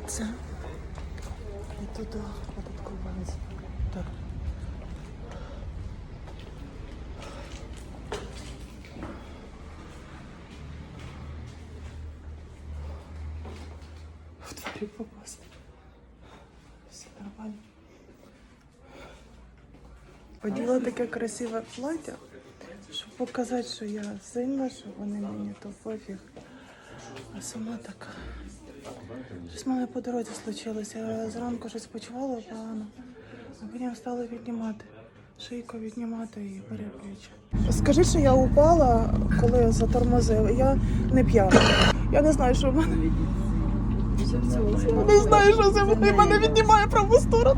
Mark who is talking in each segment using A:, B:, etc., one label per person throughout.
A: Це і туди податкова. Так. В дворі попасть. Все нормально. Оділа таке красиве плаття, щоб показати, що я сильна, що вони мені то пофіг. А сама така. Щось в мене по дорозі случилося. Я зранку щось почувала погано, а потім стала віднімати. Шийку віднімати і перепліччя. Скажи, що я упала, коли затормозив. Я не п'яна. Я не знаю, що в мене. Не знаю, що це мене віднімає праву сторону.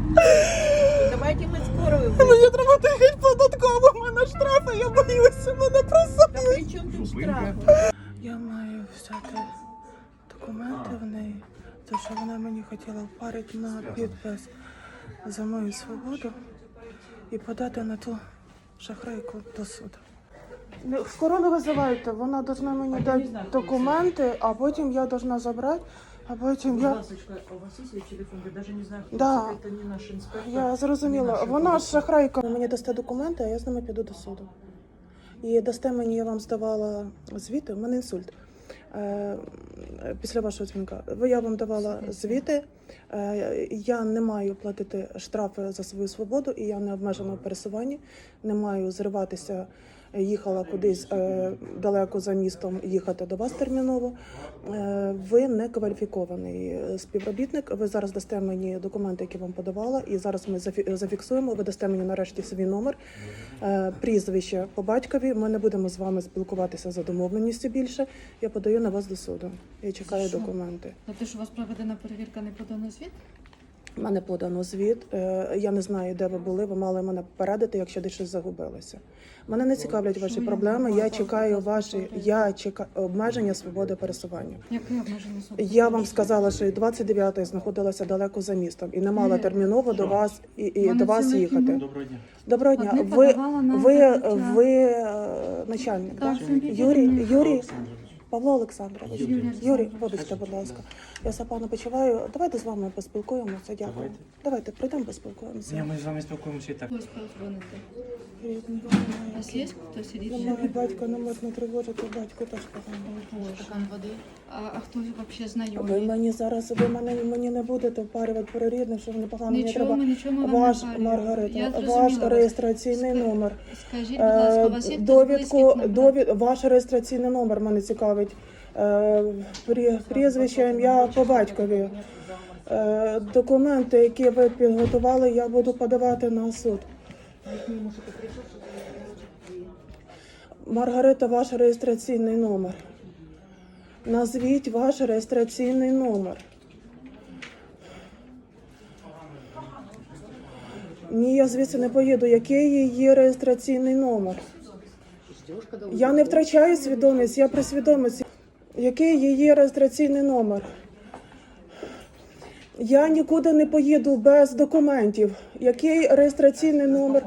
B: Давайте ми скоро.
A: Мені треба тихати податково, в мене штрафи, я боюся, мене просили.
B: Та при чому тут штрафи?
A: Я маю взяти документи в неї, тому що вона мені хотіла впарити на підпис за мою свободу і подати на ту шахрайку до суду. Скоро не визивайте, вона повинна мені дати документи, а потім я повинна забрати, а потім я...
B: Ласочка, у вас є свій телефон? Я навіть не знаю, хто
A: Да.
B: це не наш інспектор.
A: Я зрозуміла. Вона ж шахрайка. Мені дасте документи, а я з ними піду до суду. І дасте мені, я вам здавала звіти, у мене інсульт. Після вашого дзвінка. Я вам давала звіти, я не маю платити штрафи за свою свободу, і я не обмежена в пересуванні, не маю зриватися, їхала кудись далеко за містом, їхати до вас терміново. Ви не кваліфікований співробітник, ви зараз дасте мені документи, які вам подавала, і зараз ми зафіксуємо, ви дасте мені нарешті свій номер, прізвище по батькові, ми не будемо з вами спілкуватися за домовленістю більше, я подаю на вас до суду, я чекаю документи.
C: Тобто, що у вас проведена перевірка, не подано звіт?
A: У мене подано звіт, я не знаю, де ви були, ви мали мене попередити, якщо десь щось загубилося. Мене не цікавлять ваші проблеми, я чекаю ваші, обмеження свободи пересування.
C: Яке обмеження свободи?
A: Я вам сказала, що 29-ї знаходилася далеко за містом і не мала терміново до вас і до вас їхати.
D: Доброго дня.
A: Доброго дня.
C: Одне
A: Ви
C: подавала на закриття.
A: начальник,
C: Так,
A: так?
C: собі
A: Юрій
D: Олександрович.
A: Павло Олександрович.
C: Юрій
A: Юрій, вибачте, будь ласка. Я все погано почуваю. Давайте з вами поспілкуємося. Дякую. Давайте прийдемо поспілкуємося.
D: Ні, ми з вами спілкуємося і так.
C: Хтось позвонити.
A: Рідний.
C: У вас є хтось сидить?
A: Немає батька, не можна тривожити, батько теж погано.
C: Стакан води. А хто взагалі
A: Ви
C: знайомий?
A: мені зараз, ви мені не будете впарювати про рідних, що мені погано. Мені
C: Нічого,
A: треба
C: нічого вам
A: ваш,
C: не парю.
A: Маргарита,
C: Я
A: ваш
C: зрозуміла вас.
A: реєстраційний номер.
C: Скажіть, будь ласка, у вас є хтось
A: Довідку,
C: близький на
A: ваш реєстраційний номер мене цікавить. Прізвище, ім'я по батькові. Документи, які ви підготували, я буду подавати на суд. Маргарита, ваш реєстраційний номер. Назвіть ваш реєстраційний номер. Ні, я звідси не поїду. Який її реєстраційний номер? Я не втрачаю свідомість, я при свідомості. Який її реєстраційний номер? Я нікуди не поїду без документів. Який реєстраційний номер?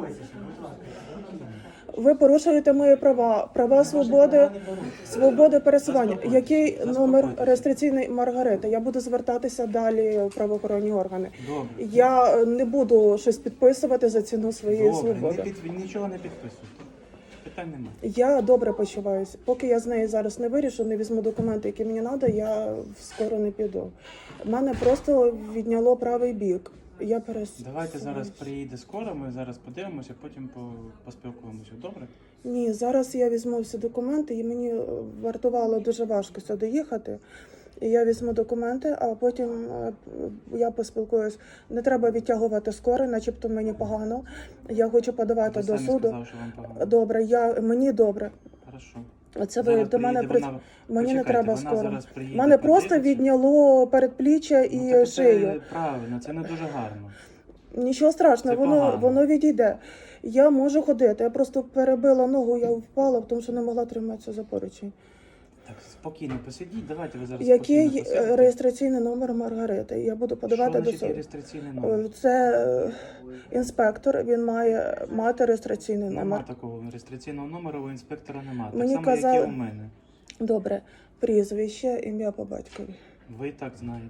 A: Ви порушуєте мої права свободи пересування. Який номер реєстраційний Маргарита? Я буду звертатися далі в правоохоронні органи.
D: Добре.
A: Я не буду щось підписувати за ціну своєї
D: Добре,
A: свободи.
D: нічого не підписуйте. Питань немає.
A: Я добре почуваюся. Поки я з нею зараз не вирішу, не візьму документи, які мені треба, я скоро не піду. Мене просто відняло правий бік. Я
D: Давайте зараз приїде скоро, ми зараз подивимося, потім поспілкуємося. Добре?
A: Ні, зараз я візьму всі документи, і мені вартувало дуже важко сюди їхати. І я візьму документи, а потім я поспілкуюсь. Не треба відтягувати скоро, начебто мені погано. Я хочу подавати
D: Ви
A: до
D: самі
A: суду.
D: сказали, що вам погано.
A: Добре, мені добре.
D: Хорошо.
A: Це ви
D: Зараз
A: до мене
D: приїде вона.
A: мені не
D: Почекайте,
A: треба
D: вона
A: скоро.
D: зараз приїде,
A: Мене просто
D: подивиться.
A: відняло передпліччя і
D: Ну, так
A: шию.
D: це правильно, це не дуже гарно.
A: Нічого страшного,
D: Це погано.
A: воно відійде. Я можу ходити. Я просто перебила ногу, я впала, тому що не могла триматися за поручень.
D: Так, спокійно посидіть, давайте ви зараз
A: Який
D: спокійно посидите.
A: реєстраційний номер Маргарити? Я буду подавати
D: Що
A: до
D: значить
A: суду.
D: реєстраційний номер?
A: Це інспектор, він має мати реєстраційний
D: Нема
A: номер.
D: такого реєстраційного номеру у інспектора немає. Так
A: Мені
D: само,
A: казали-
D: як і у мене.
A: Добре, прізвище, ім'я по батькові.
D: Ви так знаєте.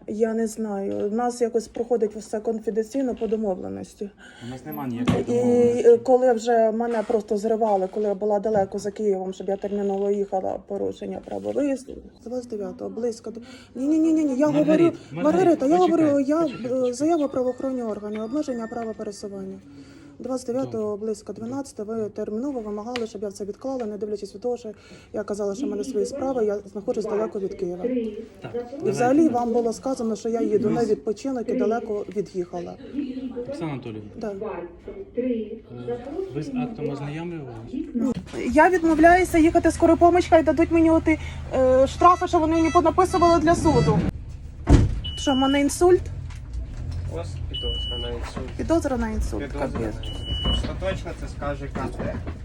A: Я не знаю. У нас якось проходить все конфіденційно по домовленості.
D: У нас немає ніякої
A: І
D: домовленості.
A: коли вже мене просто зривали, коли я була далеко за Києвом, щоб я терміново їхала, порушення права виїзду. З 29-го, близько до... Ні, я говорю... Маргарита, я говорю, заяву правоохоронні органи, обмеження права пересування. 29-го, близько 12-го, ви терміново вимагали, щоб я це відклала, не дивлячись від того, що я казала, що в мене свої справи, я знаходжусь далеко від Києва.
D: Так,
A: І взагалі вам було сказано, що я їду на відпочинок і далеко від'їхала.
D: Оксана Анатоліївна,
A: Да.
D: ви з актом ознайомлювалися?
A: Я відмовляюся їхати скору поміч, хай дадуть мені оті штрафи, що вони мені понаписували для суду. Що, в мене інсульт?
E: У вас підозра на інсульт.
A: Підозра на інсульт.
E: Підозра на
A: Капець.
E: інсульт. Остаточно це скаже КТ.